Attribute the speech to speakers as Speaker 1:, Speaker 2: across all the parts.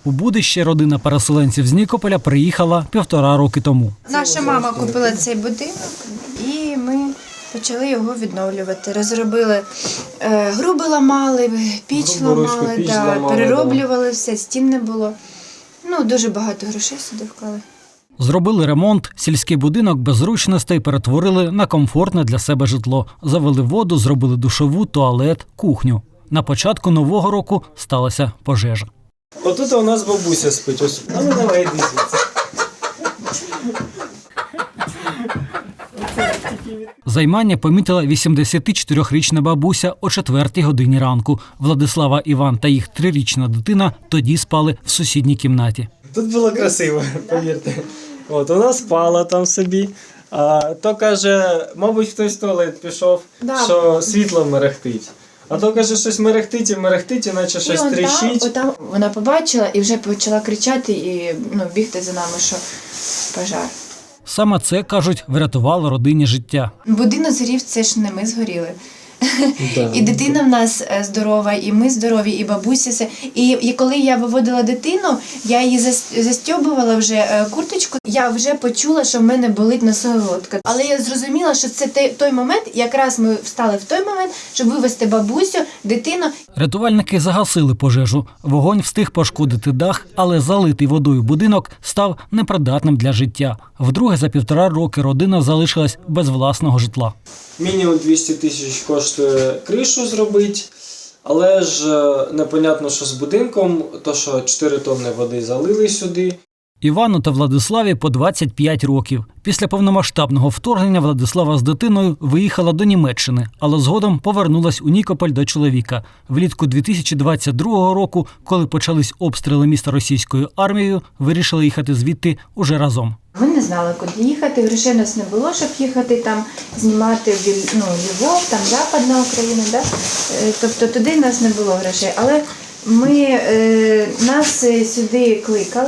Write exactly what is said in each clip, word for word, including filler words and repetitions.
Speaker 1: У Будище родина переселенців з Нікополя приїхала півтора роки тому.
Speaker 2: Наша мама купила цей будинок і ми почали його відновлювати. Розробили, е, груби ламали, піч ламали,
Speaker 3: піч
Speaker 2: да,
Speaker 3: ламали,
Speaker 2: перероблювали все, стін не було. Ну, дуже багато грошей сюди вклали.
Speaker 1: Зробили ремонт, сільський будинок без зручностей перетворили на комфортне для себе житло. Завели воду, зробили душову, туалет, кухню. На початку нового року сталася пожежа.
Speaker 3: Отут у нас бабуся спить. Ось. А ну давай, йди звідси.
Speaker 1: Займання помітила вісімдесятичотирирічна бабуся о четвертій годині ранку. Владислава, Іван та їх трирічна дитина тоді спали в сусідній кімнаті.
Speaker 3: Тут було красиво, повірте. От, вона спала там собі. А то каже, мабуть, хтось в туалет пішов,
Speaker 2: Да.
Speaker 3: що світло мерехтить. А то каже, щось мерехтить і мерехтить, іначе щось
Speaker 2: І он
Speaker 3: тріщить.
Speaker 2: там, отам вона побачила і вже почала кричати і ну, бігти за нами, що пожар.
Speaker 1: Саме це, кажуть, врятувало родині життя.
Speaker 2: Будинок згорів, це ж не ми згоріли.
Speaker 3: Да.
Speaker 2: І дитина в нас е, здорова, і ми здорові, і бабуся все. І, і коли я виводила дитину, я її зас- застьобувала вже е, курточку, я вже почула, що в мене болить носоглотка. Але я зрозуміла, що це той, той момент, якраз ми встали в той момент, щоб вивезти бабусю, дитину.
Speaker 1: Рятувальники загасили пожежу. Вогонь встиг пошкодити дах, але залитий водою будинок став непридатним для життя. Вдруге за півтора роки родина залишилась без власного житла.
Speaker 3: Мінімум двісті тисяч коштує кришу зробити, але ж е, непонятно, що з будинком, то що чотири тонни води залили сюди.
Speaker 1: Івану та Владиславі по двадцять п'ять років. Після повномасштабного вторгнення Владислава з дитиною виїхала до Німеччини, але згодом повернулась у Нікополь до чоловіка. Влітку дві тисячі двадцять другого року, коли почались обстріли міста російською армією, вирішили їхати звідти уже разом.
Speaker 2: Ми не знали, куди їхати, грошей у нас не було, щоб їхати там, знімати в Ль- ну, Львов, там Западна Україна, да? Е, тобто туди в нас не було грошей. Але ми, е, нас е, сюди кликали,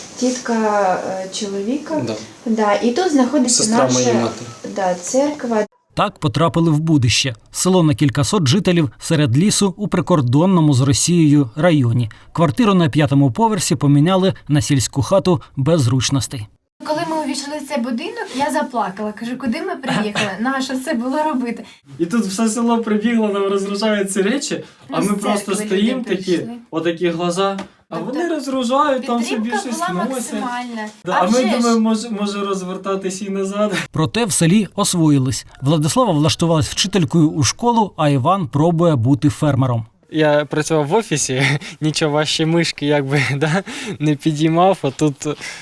Speaker 2: тітка е, чоловіка,
Speaker 3: Да.
Speaker 2: Да, і тут знаходиться
Speaker 3: Сестра моєї
Speaker 2: наша
Speaker 3: матері.
Speaker 2: да, церква.
Speaker 1: Так потрапили в Будище – село на кількасот жителів серед лісу у прикордонному з Росією районі. Квартиру на п'ятому поверсі поміняли на сільську хату без зручностей.
Speaker 2: Коли ми увійшли в цей будинок, я заплакала. Кажу, куди ми приїхали? Нащо це було робити?
Speaker 3: І тут все село прибігло, нам розгружають ці речі, а
Speaker 2: Ну,
Speaker 3: ми
Speaker 2: з
Speaker 3: просто
Speaker 2: церкви
Speaker 3: стоїмо
Speaker 2: люди
Speaker 3: такі,
Speaker 2: прийшли.
Speaker 3: отакі глаза, а
Speaker 2: Тобто
Speaker 3: вони розгружають, там собі
Speaker 2: Підтримка
Speaker 3: щось
Speaker 2: була
Speaker 3: носять.
Speaker 2: максимальна.
Speaker 3: Да,
Speaker 2: А
Speaker 3: а ми
Speaker 2: вже ж.
Speaker 3: думаємо, може, може розвертатись і назад.
Speaker 1: Проте в селі освоїлись. Владислава влаштувалась вчителькою у школу, а Іван пробує бути фермером.
Speaker 3: Я працював в офісі, нічого важче мишки якби да, не підіймав, а тут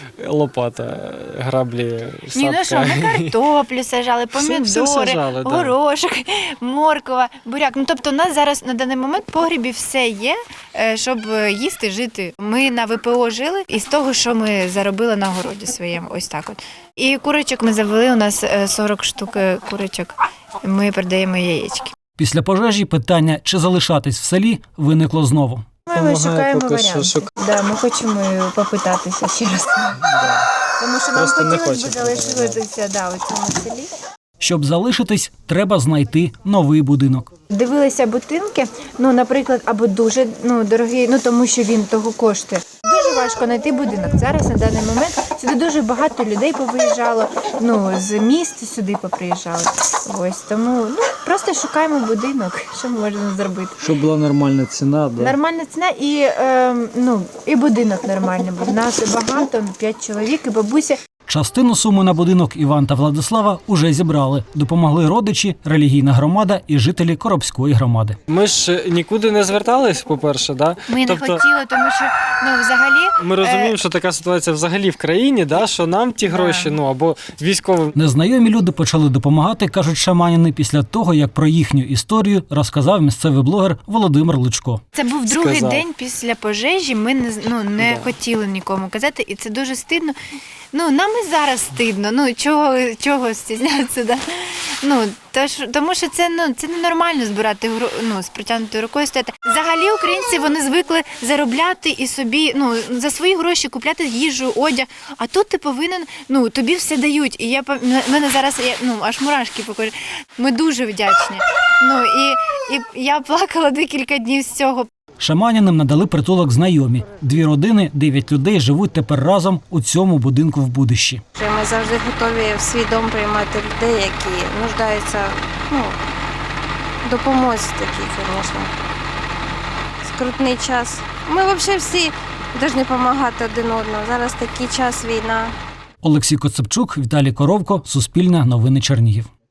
Speaker 3: лопата, граблі, сапка.
Speaker 2: Ні, ну що, ми картоплю сажали,
Speaker 3: Все-
Speaker 2: помідори,
Speaker 3: все сажали, да.
Speaker 2: горошок, морква, буряк. Ну, тобто у нас зараз на даний момент в погрібі все є, е, щоб їсти, жити. Ми на ВПО жили із того, що ми заробили на городі своєму, ось так от. І курочок ми завели, у нас е, сорок штук е, курочок, ми продаємо яєчки.
Speaker 1: Після пожежі питання, чи залишатись в селі, виникло знову.
Speaker 2: Ми
Speaker 3: Помагає
Speaker 2: шукаємо
Speaker 3: поки що,
Speaker 2: варіанти.
Speaker 3: шук-
Speaker 2: Да, ми хочемо попитатися ще раз. Тому що нам
Speaker 3: Просто не
Speaker 2: хотілося б
Speaker 3: хочемо.
Speaker 2: залишитися да, у цьому селі.
Speaker 1: Щоб залишитись, треба знайти новий будинок.
Speaker 2: Дивилися будинки, ну, наприклад, або дуже ну, дорогий, ну тому що він того коштує. Дуже важко знайти будинок. Зараз на даний момент сюди дуже багато людей повиїжджало, ну, з міст сюди поприїжджали. Ось тому ну, просто шукаємо будинок, що ми можемо зробити.
Speaker 4: Щоб була нормальна ціна, да?
Speaker 2: Нормальна ціна і, е, ну, і будинок нормальний, бо в нас багато, п'ять чоловік і бабуся.
Speaker 1: Частину суми на будинок Іван та Владислава уже зібрали. Допомогли родичі, релігійна громада і жителі Коробської громади.
Speaker 3: Ми ж нікуди не звертались, по-перше, да?
Speaker 2: Ми
Speaker 3: тобто,
Speaker 2: не хотіли, тому що ну, взагалі
Speaker 3: Ми розуміємо, що така ситуація взагалі в країні, да, що нам ті гроші, ну або військовим.
Speaker 1: Незнайомі люди почали допомагати, кажуть шаманіни, після того, як про їхню історію розказав місцевий блогер Володимир Лучко.
Speaker 2: Це був другий
Speaker 3: Сказав.
Speaker 2: день після пожежі. Ми не з- ну, не
Speaker 3: Да.
Speaker 2: хотіли нікому казати, і це дуже стидно. Ну нам і зараз стидно. Ну чого, чого стізнятися, да? Ну тож, тому що це ну це ненормально збирати гру- ну, з протягнутою рукою стояти. Взагалі українці вони звикли заробляти і собі ну за свої гроші купляти їжу, одяг. А тут ти повинен, ну тобі все дають. І я пам- м- мене зараз я, ну аж мурашки покажу. Ми дуже вдячні. Ну і, і я плакала декілька днів з цього.
Speaker 1: Шаманіним надали притулок знайомі. Дві родини, дев'ять людей живуть тепер разом у цьому будинку в Будищі.
Speaker 5: Ми завжди готові в свій дом приймати людей, які нуждаються ну, в допомозі такій, звісно. Скрутний час. Ми взагалі всі повинні допомагати один одному. Зараз такий час, війна.
Speaker 1: Олексій Коцепчук, Віталій Коровко, Суспільне новини Чернігів.